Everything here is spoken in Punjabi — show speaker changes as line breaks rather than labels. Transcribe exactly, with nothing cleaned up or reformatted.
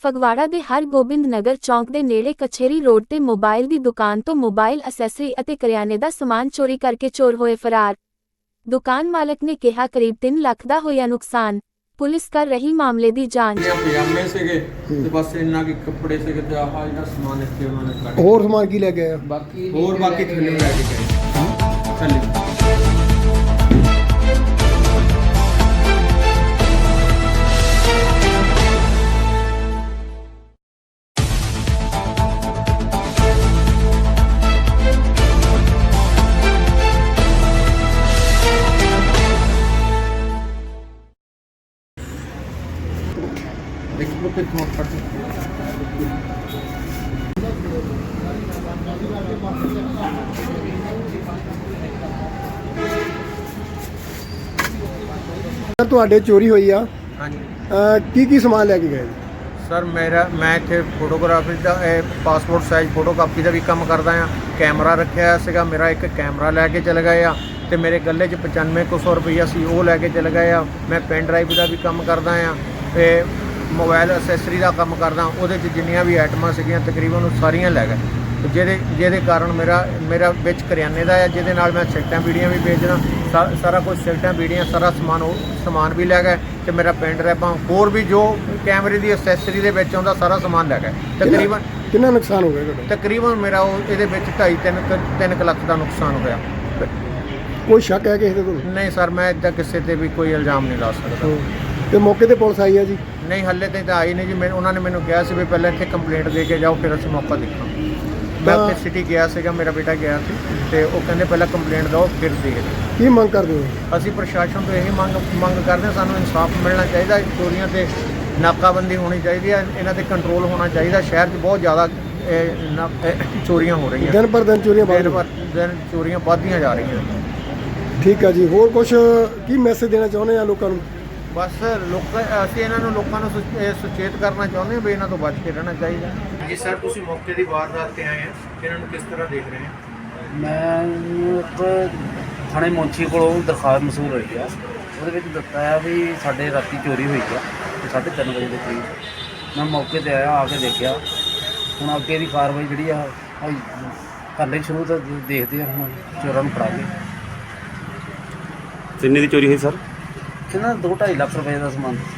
ਫਗਵਾੜਾ ਦੇ ਹਰਗੋਬਿੰਦ ਨਗਰ ਚੌਂਕ ਦੇ ਨੇੜੇ ਕਚਹਿਰੀ ਰੋਡ ਤੇ ਮੋਬਾਈਲ ਦੀ ਦੁਕਾਨ ਤੋਂ ਮੋਬਾਈਲ ਅਸੈਸਰੀ ਅਤੇ ਕਰਿਆਨੇ ਦਾ ਸਮਾਨ ਚੋਰੀ ਕਰਕੇ ਚੋਰ ਹੋਏ ਫਰਾਰ। ਦੁਕਾਨ ਮਾਲਕ ਨੇ ਕਿਹਾ ਕਰੀਬ ਤਿੰਨ ਲੱਖ ਦਾ ਹੋਇਆ ਨੁਕਸਾਨ। ਪੁਲਿਸ ਕਰ ਰਹੀ ਮਾਮਲੇ ਦੀ ਜਾਂਚ।
ਪਜਾਮੇ ਸੀਗੇ ਤੇ ਬਸ ਇੰਨਾ ਕਿ ਕੱਪੜੇ ਸੀਗੇ ਤੇ ਆਹ ਜਿਹੜਾ ਸਮਾਨ ਇੱਥੇ ਉਹਨਾਂ ਨੇ ਕੱਢ
ਹੋਰ ਸਮਾਨ ਕੀ ਲੈ ਕੇ ਆਇਆ?
ਬਾਕੀ ਹੋਰ ਬਾਕੀ ਥੱਲੇ ਲੈ ਕੇ ਗਏ ਥੱਲੇ। देखो कितना पड़ता
ਸਰ ਤੁਹਾਡੇ ਚੋਰੀ ਹੋਈ ਆ?
हाँ जी
ਕੀ ਕੀ ਸਮਾਨ ਲੈ ਕੇ ਗਏ?
सर मेरा मैं इतने फोटोग्राफी का पासपोर्ट साइज फोटोकापी का भी काम करता हाँ। कैमरा रखा सीगा मेरा, एक कैमरा लैके चले गए आ ते मेरे गले च पचानवे कुछ सौ रुपया सी वो लैके चले गए आ। मैं पेन ड्राइव का भी काम करता हाँ ते मोबाइल असैसरी का काम करदा। ਉਹਦੇ 'ਚ ਜਿੰਨੀਆਂ ਵੀ ਆਈਟਮਾਂ ਸੀਗੀਆਂ ਤਕਰੀਬਨ ਉਹ ਸਾਰੀਆਂ ਲੈ ਗਏ, ਜਿਹਦੇ ਜਿਹਦੇ ਕਾਰਨ ਮੇਰਾ ਮੇਰਾ ਵਿੱਚ ਕਰਿਆਨੇ ਦਾ ਹੈ, ਜਿਹਦੇ ਨਾਲ ਮੈਂ ਸਿਗਰਟਾਂ ਬੀੜੀਆਂ ਵੀ ਵੇਚਦਾ ਸਾਰਾ ਕੁਝ, ਸਿਗਰਟਾਂ ਬੀੜੀਆਂ ਸਾਰਾ ਸਮਾਨ ਉਹ ਸਮਾਨ ਵੀ ਲੈ ਗਏ ਤੇ ਮੇਰਾ ਪੈਨ ਡਰਾਈਵਾਂ ਹੋਰ ਵੀ ਜੋ ਕੈਮਰੇ ਦੀ ਅਸੈਸਰੀ ਦੇ ਵਿੱਚ ਆਉਂਦਾ ਸਾਰਾ ਸਮਾਨ ਲੈ ਗਏ। ਤਕਰੀਬਨ
ਕਿੰਨਾ ਨੁਕਸਾਨ ਹੋ ਗਿਆ ਤੁਹਾਡਾ?
ਤਕਰੀਬਨ ਮੇਰਾ ਉਹ ਇਹਦੇ ਵਿੱਚ ਢਾਈ ਤਿੰਨ ਤਿੰਨ ਕੁ ਲੱਖ ਦਾ ਨੁਕਸਾਨ ਹੋਇਆ।
ਕੋਈ ਸ਼ੱਕ ਹੈ ਕਿਸੇ ਦੇ ਕੋਲ?
ਨਹੀਂ ਸਰ, ਮੈਂ ਇੱਦਾਂ ਕਿਸੇ 'ਤੇ ਵੀ ਕੋਈ ਇਲਜ਼ਾਮ ਨਹੀਂ ਲਾ ਸਕਦਾ।
ਤੇ ਮੌਕੇ ਤੇ ਪੁਲਿਸ ਆਈ ਆ ਜੀ?
ਨਹੀਂ ਹੱਲੇ ਤੇ ਤਾਂ ਆਈ ਨਹੀਂ ਜੀ। ਮੈਂ ਉਹਨਾਂ ਨੇ ਮੈਨੂੰ ਕਿਹਾ ਸੀ ਵੀ ਪਹਿਲਾਂ ਇੱਥੇ ਕੰਪਲੇਂਟ ਦੇ ਕੇ ਜਾਓ ਫਿਰ ਅਸੀਂ ਮੌਕਾ ਦੇਖਾਂ। ਮੈਂ ਉੱਥੇ ਸਿਟੀ ਗਿਆ ਸੀਗਾ, ਮੇਰਾ ਬੇਟਾ ਗਿਆ ਸੀ ਤੇ ਉਹ ਕਹਿੰਦੇ ਪਹਿਲਾਂ ਕੰਪਲੇਂਟ ਦਿਓ ਫਿਰ ਦੇਖਦੇ।
ਕੀ ਮੰਗ ਕਰਦੇ ਹੋ?
ਅਸੀਂ ਪ੍ਰਸ਼ਾਸਨ ਤੋਂ ਇਹ ਮੰਗ ਮੰਗ ਕਰਦੇ ਹਾਂ, ਸਾਨੂੰ ਇਨਸਾਫ ਮਿਲਣਾ ਚਾਹੀਦਾ। ਚੋਰੀਆਂ ਤੇ ਨਾਕਾਬੰਦੀ ਹੋਣੀ ਚਾਹੀਦੀ ਹੈ, ਇਹਨਾਂ ਤੇ ਕੰਟਰੋਲ ਹੋਣਾ ਚਾਹੀਦਾ। ਸ਼ਹਿਰ 'ਚ ਬਹੁਤ ਜ਼ਿਆਦਾ ਇਹ ਨਾ- ਇਹ ਚੋਰੀਆਂ ਹੋ ਰਹੀਆਂ,
ਦਿਨ ਪਰ ਦਿਨ ਚੋਰੀਆਂ ਵੱਧ
ਦਿਨ
ਰਹੀਆਂ।
ਪਰ ਦਿਨ ਚੋਰੀਆਂ ਵੱਧਦੀਆਂ ਜਾ ਰਹੀਆਂ।
ਠੀਕ ਆ ਜੀ, ਹੋਰ ਕੁਝ ਕੀ ਮੈਸੇਜ ਦੇਣਾ ਚਾਹੁੰਦੇ ਆ ਲੋਕਾਂ ਨੂੰ?
ਬਸ ਲੋਕਾਂ ਅਸੀਂ ਇਹਨਾਂ ਨੂੰ ਲੋਕਾਂ ਨੂੰ ਸੁਚ- ਇਹ ਸੁਚੇਤ ਕਰਨਾ ਚਾਹੁੰਦੇ ਹਾਂ ਵੀ ਇਹਨਾਂ ਤੋਂ ਬਚ ਕੇ ਰਹਿਣਾ ਚਾਹੀਦਾ। ਜੀ ਸਰ, ਤੁਸੀਂ ਮੌਕੇ ਦੀ ਵਾਰਦਾਤ ਤੇ ਆਏ ਆ, ਇਹਨਾਂ ਨੂੰ ਕਿਸ ਤਰ੍ਹਾਂ ਦੇਖ ਰਹੇ ਹੋ?
ਮੈਂ ਇੱਕ ਥਾਣੇ ਮੌਂਚੀ ਕੋਲੋਂ ਦਰਖਾਸਤ ਮਸੂਲ ਹੋਈ ਆ। ਉਹਦੇ ਵਿੱਚ ਦੱਸਿਆ ਆ ਵੀ ਸਾਡੇ ਰਾਤੀ ਚੋਰੀ ਹੋਈ ਆ ਤੇ ਸਾਢੇ ਤਿੰਨ ਵਜੇ ਦੇ ਕਰੀਬ। ਮੈਂ ਮੌਕੇ ਤੇ ਆਇਆ, ਆ ਕੇ ਦੇਖਿਆ। ਹੁਣ ਅੱਗੇ ਦੀ ਕਾਰਵਾਈ ਜਿਹੜੀ ਆ ਕਰ ਲਈ ਸ਼ੁਰੂ, ਤਾਂ ਦੇਖਦੇ ਆ ਹੁਣ ਚੋਰਾਂ ਨੂੰ ਫੜਾ ਕੇ।
ਕਿੰਨੇ ਦੀ ਚੋਰੀ ਹੋਈ ਸਰ?
ਕਿੰਨਾ ਦੋ ਢਾਈ ਲੱਖ ਰੁਪਏ ਦਾ ਸਮਾਨ।